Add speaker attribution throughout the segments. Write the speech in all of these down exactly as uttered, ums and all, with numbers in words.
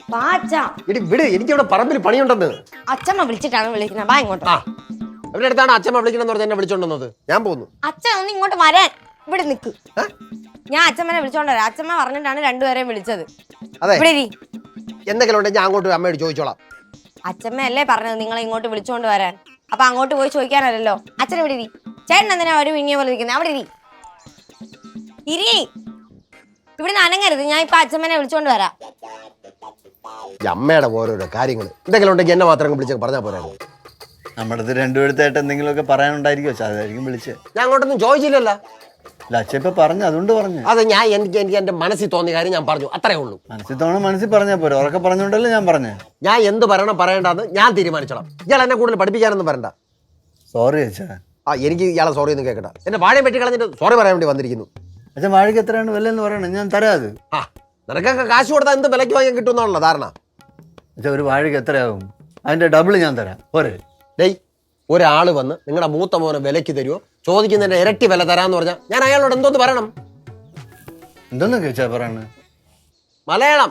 Speaker 1: ഇടി വിട്, എനിക്ക് ഇവിടെ പറമ്പിൽ പണിയുണ്ടെന്ന്.
Speaker 2: അച്ഛമ്മ വിളിച്ചിട്ടാണ് വിളിക്കുന്നത്. വാ ഇങ്ങോട്ട്.
Speaker 1: ആ അവരുടെ അടുത്താണ് അച്ഛമ്മ വിളിക്കണമെന്ന് പറഞ്ഞ എന്നെ വിളിച്ചോണ്ടുവന്നത്. ഞാൻ പോകുന്നു.
Speaker 2: അച്ഛൻ ഒന്ന് ഇങ്ങോട്ട് വരാൻ. ഇവിടെ നിക്ക്. ഞാൻ അച്ഛമ്മനെ വിളിച്ചോണ്ട് വരാം. അച്ഛമ്മ പറഞ്ഞിട്ടാണ് രണ്ടുപേരെയും വിളിച്ചത്.
Speaker 1: അതെ,
Speaker 2: ഇവിടെ
Speaker 1: എന്തെങ്കിലും ഉണ്ടെങ്കിൽ ഞാൻ അങ്ങോട്ട് അമ്മയോട് ചോദിച്ചോളാം.
Speaker 2: അച്ഛമ്മയല്ലേ പറഞ്ഞത് നിങ്ങളെ ഇങ്ങോട്ട് വിളിച്ചോണ്ട് വരാൻ. അപ്പൊ അങ്ങോട്ട് പോയി ചോദിക്കാനല്ലോ. അച്ഛൻ ഇവിടെ ഇരി. ചേട്ടൻ എന്തിനാ ഒരു വിങ്ങിയ പോലെ ഇരിക്കുന്നത്? അവിടെ ഇരി ഇരി ഇവിടെ അനങ്ങരുത്. ഞാൻ ഇപ്പൊ അച്ഛമ്മനെ വിളിച്ചോണ്ട് വരാം.
Speaker 1: അമ്മയുടെ ഓരോരോ കാര്യങ്ങൾ എന്തെങ്കിലും ഉണ്ടെങ്കിൽ എന്നെ മാത്രം വിളിച്ച് പറഞ്ഞാൽ പോരായിരുന്നു.
Speaker 3: നമ്മുടെ അടുത്ത് രണ്ടുപേരത്തായിട്ട് എന്തെങ്കിലുമൊക്കെ പറയാനുണ്ടായിരിക്കും അച്ഛാ, അതായിരിക്കും വിളിച്ചത്.
Speaker 1: ഞാൻ അങ്ങോട്ടൊന്നും ചോദിച്ചില്ലല്ലോ.
Speaker 3: അല്ല അച്ഛൻ ഇപ്പൊ പറഞ്ഞു, അതുകൊണ്ട് പറഞ്ഞു.
Speaker 1: അത് ഞാൻ എനിക്ക് എനിക്ക് എന്റെ മനസ്സിൽ തോന്നിയ കാര്യം ഞാൻ പറഞ്ഞു, അത്രേ ഉള്ളൂ.
Speaker 3: മനസ്സിൽ തോന്നണം, മനസ്സിൽ പറഞ്ഞാൽ പോരെ. ഉറക്കെ പറഞ്ഞോണ്ടല്ലേ ഞാൻ പറഞ്ഞേ.
Speaker 1: ഞാൻ എന്ത് പറയണം പറയേണ്ടെന്ന് ഞാൻ തീരുമാനിച്ചോളാം. ഇയാൾ എന്നെ കൂടുതൽ പഠിപ്പിക്കാനൊന്നും പറയണ്ട.
Speaker 3: സോറി അച്ഛാ.
Speaker 1: ആ എനിക്ക് ഇയാളെ സോറി ഒന്നും കേൾക്കട്ടെ. എന്റെ വാഴയും വെട്ടി കളഞ്ഞിട്ട് സോറി പറയാൻ വേണ്ടി വന്നിരിക്കുന്നു.
Speaker 3: അച്ഛൻ വാഴയ്ക്ക് എത്രയാണ് വില എന്ന് പറയണം, ഞാൻ തരാം. അത്
Speaker 1: ആ നിനക്കൊക്കെ കാശ് കൊടുത്താൽ എന്ത് വിലയ്ക്ക് വാങ്ങാൻ കിട്ടുമെന്നാണല്ലോ ധാരണ.
Speaker 3: അച്ഛാ ഒരു വാഴയ്ക്ക് എത്രയാകും? അതിന്റെ ഡബിൾ ഞാൻ തരാം പോരെ.
Speaker 1: ഡേയ്, ഒരാൾ വന്ന് നിങ്ങളുടെ മൂത്ത മോനെ വിലയ്ക്ക് തരുമോ, ചോദിക്കുന്നതിന്റെ ഇരട്ടി വില തരാന്ന് പറഞ്ഞാൽ ഞാൻ അയാളോട് എന്തോന്ന് പറയണം?
Speaker 3: എന്തോന്നൊക്കെ അച്ഛാ പറയണേ?
Speaker 1: മലയാളം.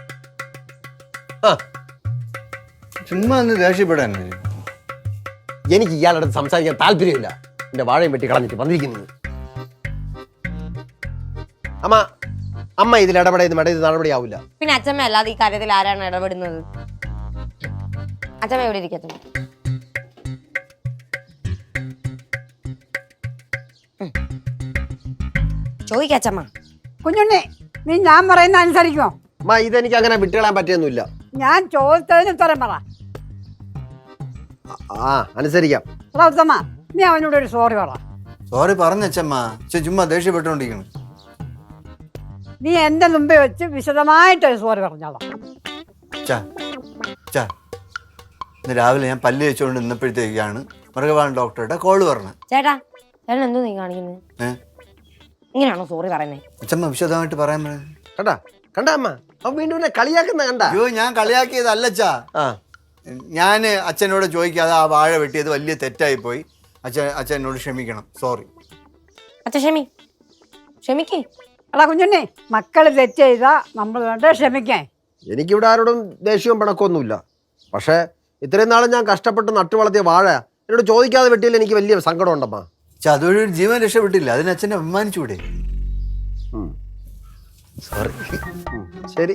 Speaker 1: ആ
Speaker 3: ചുമ്മാ ഒന്ന് ദേഷ്യപ്പെടാൻ.
Speaker 1: എനിക്ക് ഇയാളുടെ അടുത്ത് സംസാരിക്കാൻ താല്പര്യമില്ല. എന്റെ വാഴയും വെട്ടി കളഞ്ഞിട്ട് വന്നിരിക്കുന്നത്. അമ്മ അമ്മ ഇതിൽ ഇടപെടുന്ന മേടം ഇത് നടപടിയാവില്ല.
Speaker 2: പിന്നെ അച്ഛമ്മ അല്ലാതെ ഈ കാര്യത്തിൽ ആരാണ് ഇടപെടുന്നത്? അച്ഛമ്മ എവിടെ ഇരിക്കട്ടെ. ചോദിക്കച്ചമ്മ.
Speaker 4: കുഞ്ഞുണ്ണി, നീ ഞാൻ പറയുന്ന അനുസരിക്കുമോ?
Speaker 1: അമ്മ ഇതെനിക്ക് അങ്ങനെ വിട്ടുകളയാൻ പറ്റിയൊന്നുമില്ല.
Speaker 4: ഞാൻ ചോദിച്ചതിന് ഉത്തരം പറ.
Speaker 1: ആ അനുസരിക്കാം.
Speaker 4: എടാ ഉത്തമ, നീ അവനോട് ഒരു സോറി പറ.
Speaker 3: സോറി പറഞ്ഞച്ചമ്മ. ചുമ്മാ ദേഷ്യപ്പെട്ടുകൊണ്ടിരിക്കണം.
Speaker 4: നീ എന്റെ മുമ്പിൽ വെച്ച് വിശദമായിട്ടൊരു സോറി പറഞ്ഞോളാം.
Speaker 3: ഇന്ന് രാവിലെ ഞാൻ പല്ല് വെച്ചുകൊണ്ട് നിന്നപ്പോഴത്തേക്കാണ് മൃഗപാലൻ ഡോക്ടറുടെ കോള് പറഞ്ഞത്.
Speaker 2: ചേട്ടാ ചേട്ടൻ എന്തോ നീ കാണിക്കുന്നത്? ഇങ്ങനെയാണോ സോറി പറയുന്നത്?
Speaker 3: അച്ഛമ്മ വിശദമായിട്ട് പറയാൻ
Speaker 1: കണ്ടാ കണ്ടാ അമ്മ അവൻ വീണ്ടും കളിയാക്കുന്ന കണ്ട.
Speaker 3: അയ്യോ ഞാൻ കളിയാക്കിയതല്ലച്ചാ. ഞാൻ അച്ഛനോട് ചോദിക്കാതെ ആ വാഴ വെട്ടിയത് വലിയ തെറ്റായി പോയി. അച്ഛൻ അച്ഛൻ എന്നോട് ക്ഷമിക്കണം. സോറി
Speaker 2: അച്ഛൻ. ക്ഷമി ക്ഷമിക്കേ.
Speaker 4: എടാ കുഞ്ഞുണ്ണി, മക്കൾ തെറ്റ് ചെയ്താ നമ്മൾ വേണ്ട ക്ഷമിക്കാൻ.
Speaker 1: എനിക്കിവിടെ ആരോടും ദേഷ്യവും പിണക്കൊന്നുമില്ല. പക്ഷേ ഇത്രയും നാളും ഞാൻ കഷ്ടപ്പെട്ട് നട്ടു വളർത്തിയ വാഴ എന്നോട് ചോദിക്കാതെ വെട്ടിയാൽ എനിക്ക് വലിയ സങ്കടം ഉണ്ടമ്മ.
Speaker 3: അതുവഴി ഒരു ജീവൻ രക്ഷപ്പെട്ടില്ല. അതിന് അച്ഛനെ അഭിമാനിച്ചൂടെ? സോറി.
Speaker 1: ശരി.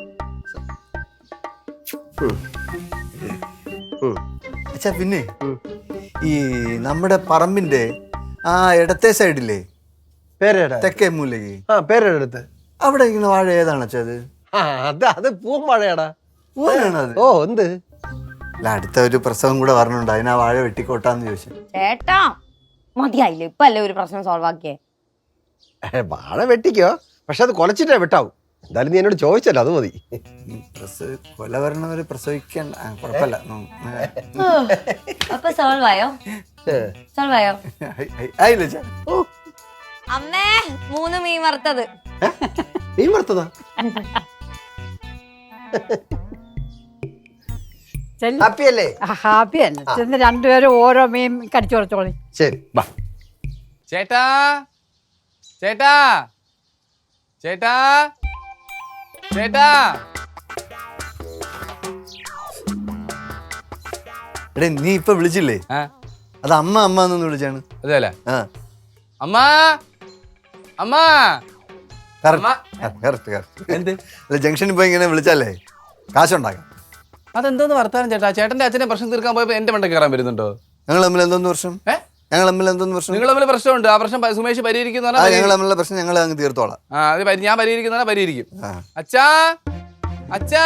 Speaker 3: അച്ഛാ പിന്നെ ഈ നമ്മുടെ പറമ്പിന്റെ ആ ഇടത്തെ സൈഡില്ലേ,
Speaker 1: പേരേടാ
Speaker 3: തെക്കേ മൂലയ്ക്ക്,
Speaker 1: ആ പേരെടുത്ത്
Speaker 3: അവിടെ ഇങ്ങനെ വാഴ ഏതാണ് അച്ഛാ? അത്
Speaker 1: അത് അത് പൂവൻ വാഴയാടാ.
Speaker 3: പൂവാണ് അത്.
Speaker 1: ഓ എന്ത്
Speaker 3: അല്ല, അടുത്ത ഒരു പ്രസവം കൂടെ പറഞ്ഞുണ്ട്. അതിനാ വാഴ വെട്ടിക്കോട്ടാന്ന് ചോദിച്ചു.
Speaker 2: ചേട്ടാ മതിയായില്ലേ? ഇപ്പൊ അല്ലേ ഒരു പ്രശ്നം സോൾവ് ആക്കിയേ.
Speaker 1: വാഴ വെട്ടിക്കോ, പക്ഷെ അത് കൊലച്ചിട്ടേ വെട്ടാവും. എന്തായാലും നീ എന്നോട് ചോദിച്ചല്ലോ, അത് മതി.
Speaker 3: കൊല വരണവരെ പ്രസവിക്കാൻ കുഴപ്പമില്ല.
Speaker 2: അപ്പൊ സോൾവ് ആയോ? സോൾവ് ആയോ?
Speaker 3: ആയില്ല.
Speaker 2: അമ്മേ, മൂന്ന് മീൻ വറുത്തത്.
Speaker 1: മീൻ വറുത്തതാ? ഹാപ്പിയല്ലേ?
Speaker 4: ഹാപ്പി അല്ലേ? ചെന്ന് രണ്ടുപേരും ഓരോ മീൻ കടിച്ചു കൊടുത്തോളി.
Speaker 1: ശരി.
Speaker 5: ചേട്ടാ ചേട്ടാ ചേട്ടാ ചേട്ടാ
Speaker 3: എടേ, നീ ഇപ്പൊ വിളിച്ചില്ലേ? അത് അമ്മ അമ്മ എന്നൊന്ന് വിളിച്ചാണ്.
Speaker 5: അതെല്ലേ? അമ്മ അമ്മ
Speaker 3: എന്ത് ജംഗ്ഷനിൽ പോയി ഇങ്ങനെ വിളിച്ചാലേ കാശുണ്ടാക്കാം.
Speaker 5: അതെന്തോന്ന് വർത്താനം ചേട്ടാ? ചേട്ടന്റെ അച്ഛനെ പ്രശ്നം തീർക്കാൻ പോയപ്പോ എന്റെ മണ്ട കയറാൻ വരുന്നുണ്ടോ?
Speaker 3: ഞങ്ങൾ തമ്മിൽ എന്തോന്ന് പ്രശ്നം? ഞങ്ങൾ തമ്മിൽ എന്തോന്ന് പ്രശ്നം?
Speaker 5: നിങ്ങൾ തമ്മിൽ പ്രശ്നമുണ്ട്. ആ പ്രശ്നം സുമേഷ് പരിഹരിക്കുന്ന
Speaker 3: ഞങ്ങൾ തമ്മിലുള്ള പ്രശ്നം ഞങ്ങൾ അങ്ങ് തീർത്തോളാം.
Speaker 5: ആ അത് ഞാൻ പരിഹരിക്കുന്ന പരിഹരിക്കും. അച്ഛാ അച്ഛാ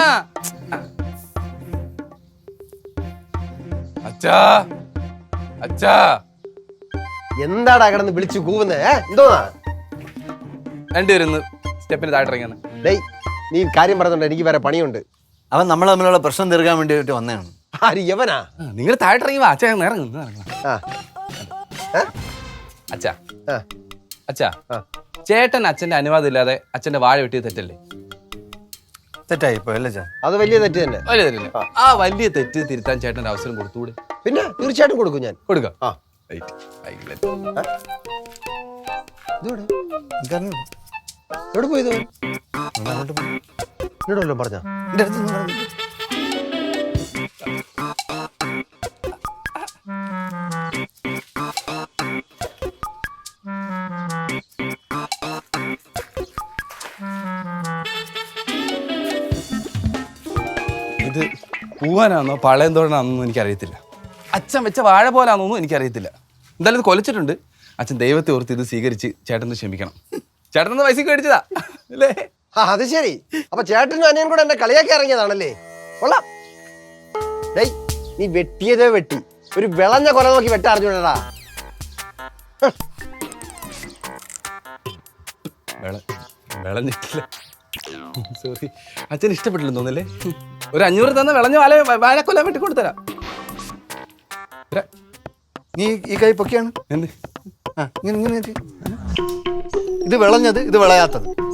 Speaker 5: അച്ഛാ അച്ഛാ
Speaker 1: എന്താടാ കിടന്ന് വിളിച്ചു കൂവുന്നേ? എന്തോന്നാ?
Speaker 5: രണ്ടുപേരും സ്റ്റെപ്പിന് താഴെ.
Speaker 1: ഡേയ്, നീ കാര്യം പറഞ്ഞോണ്ട് എനിക്ക് വേറെ പണിയുണ്ട്.
Speaker 3: അവൻ നമ്മൾ തമ്മിലുള്ള പ്രശ്നം തീർക്കാൻ വേണ്ടിയിട്ട് വന്നതാണ്.
Speaker 1: ആര് യവനാ?
Speaker 5: നിങ്ങൾ താഴെ ഇറങ്ങി വാ. അച്ഛാ ഇറങ്ങുന്നു. അച്ഛാ അച്ഛാ ചേട്ടൻ അച്ഛന്റെ അനുവാദം ഇല്ലാതെ അച്ഛന്റെ വാഴ വെട്ടിയത് തെറ്റല്ലേ?
Speaker 3: തെറ്റായിപ്പോ അല്ലേ?
Speaker 1: അത് വലിയ തെറ്റ് തന്നെ.
Speaker 5: വലിയ തെറ്റല്ലേ? ആ വലിയ തെറ്റ് തിരുത്താൻ ചേട്ടൻ്റെ അവസരം കൊടുത്തുകൂടെ?
Speaker 1: പിന്നെ തീർച്ചയായിട്ടും കൊടുക്കും ഞാൻ.
Speaker 5: കൊടുക്കാം.
Speaker 1: എവിടെ പോയത്? എന്നോട് വല്ലതും പറഞ്ഞ
Speaker 3: എൻ്റെ അടുത്തൊന്നും പറഞ്ഞില്ല.
Speaker 5: ഇത് പൂവാനാണോ പളയന്തോടനാണെന്നൊന്നും എനിക്കറിയത്തില്ല. അച്ഛൻ വെച്ച വാഴ പോലാണെന്നൊന്നും എനിക്കറിയത്തില്ല. എന്തായാലും ഇത് കൊലച്ചിട്ടുണ്ട്. അച്ഛൻ ദൈവത്തെ ഓർത്ത് ഇത് സ്വീകരിച്ച് ചേട്ടന് ക്ഷമിക്കണം. ചേട്ടനൊന്ന് പൈസക്ക് മേടിച്ചതാ അല്ലേ?
Speaker 1: ആ അത് ശരി. അപ്പൊ ചേട്ടനും അനിയൻ കൂടെ എന്നെ കളിയാക്കി ഇറങ്ങിയതാണല്ലേ? കൊള്ളാം. ഡേയ് നീ വെട്ടിയതേ വെട്ടി. ഒരു വിളഞ്ഞ കൊല നോക്കി വെട്ട അറിഞ്ഞൂടാ.
Speaker 5: വിളഞ്ഞിട്ടില്ല. സോറി. അച്ഛൻ ഇഷ്ടപ്പെട്ടില്ലെന്ന് തോന്നല്ലേ? ഒരു അഞ്ഞൂറ് തന്ന വിളഞ്ഞ വാല വാഴക്കൊല്ലാൻ വേണ്ടി കൊടുത്തരാം.
Speaker 3: നീ ഈ കൈ പൊക്കിയാണ്
Speaker 5: എന്ത്?
Speaker 3: ആ ഇങ്ങനെ ഇങ്ങനെ ഇത് വിളഞ്ഞത് ഇത് വിളയാത്തത്.